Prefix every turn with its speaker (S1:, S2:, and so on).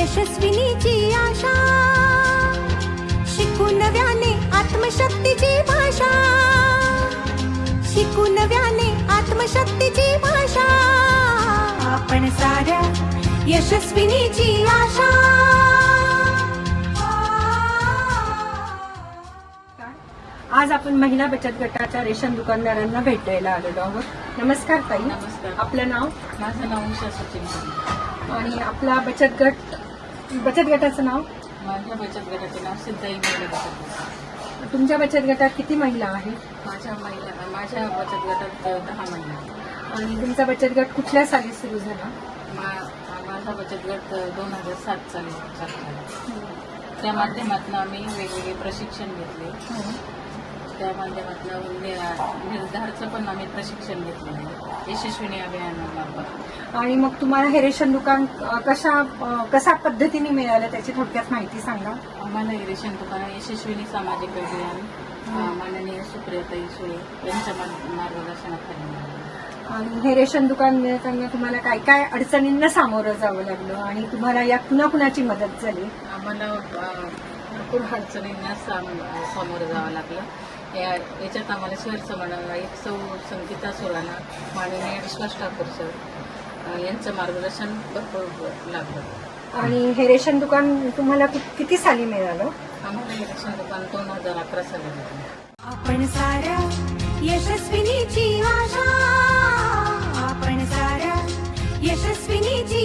S1: यशस्विनीची आशा, शिकू नव्याने आत्मशक्तीची भाषा, शिकू नव्याने आत्मशक्तीची भाषा, आपण साऱ्या यशस्विनीची आशा. आज आपण महिला बचत गटाच्या रेशन दुकानदारांना भेटायला आलेलो आहोत. नमस्कार ताई.
S2: नमस्कार.
S1: आपलं नाव?
S2: माझं नाव उषा सचिन.
S1: आणि आपला बचत गटाचं नाव?
S2: माझ्या बचत गटाचे नाव सिद्धाई महिला बचत गट.
S1: तुमच्या बचत गटात किती महिला आहेत?
S2: माझ्या बचत गटात 10 महिला आहेत.
S1: आणि तुमचा बचत गट कुठल्या साली सुरू झाला?
S2: माझा बचत गट 2007 साली चालू झाला. त्या माध्यमातून आम्ही वेगवेगळे प्रशिक्षण घेतले. त्या माध्यमातून निर्धारचं पण आम्ही प्रशिक्षण घेतलेलं आहे यशस्विनी अभियानामार्फत.
S1: आणि मग तुम्हाला हे रेशन दुकान कशा पद्धतीने मिळालं त्याची थोडक्यात माहिती सांगा.
S2: आम्हाला हे रेशन दुकान यशस्विनी सामाजिक अभियान माननीय सुप्रियाताई सुळे यांच्या मार्गदर्शनाखाली मिळालं.
S1: आणि हे रेशन दुकान मिळताना तुम्हाला काय काय अडचणींना सामोरं जावं लागलं आणि तुम्हाला या कुणाकुणाची मदत झाली?
S2: आम्हाला भरपूर अडचणींना सामोरं जावं लागलं. याच्यात आम्हाला शहर समन्वयक सौ संगीता सुराणा, माननीय विश्वास ठाकूर सर यांचं मार्गदर्शन भरपूर लागलं.
S1: आणि हे रेशन दुकान तुम्हाला किती साली मिळालं?
S2: आम्हाला हे रेशन दुकान 2011 साली मिळालं.
S1: आपण साऱ्या यशस्विनीची आशा, आपण साऱ्या यशस्विनीची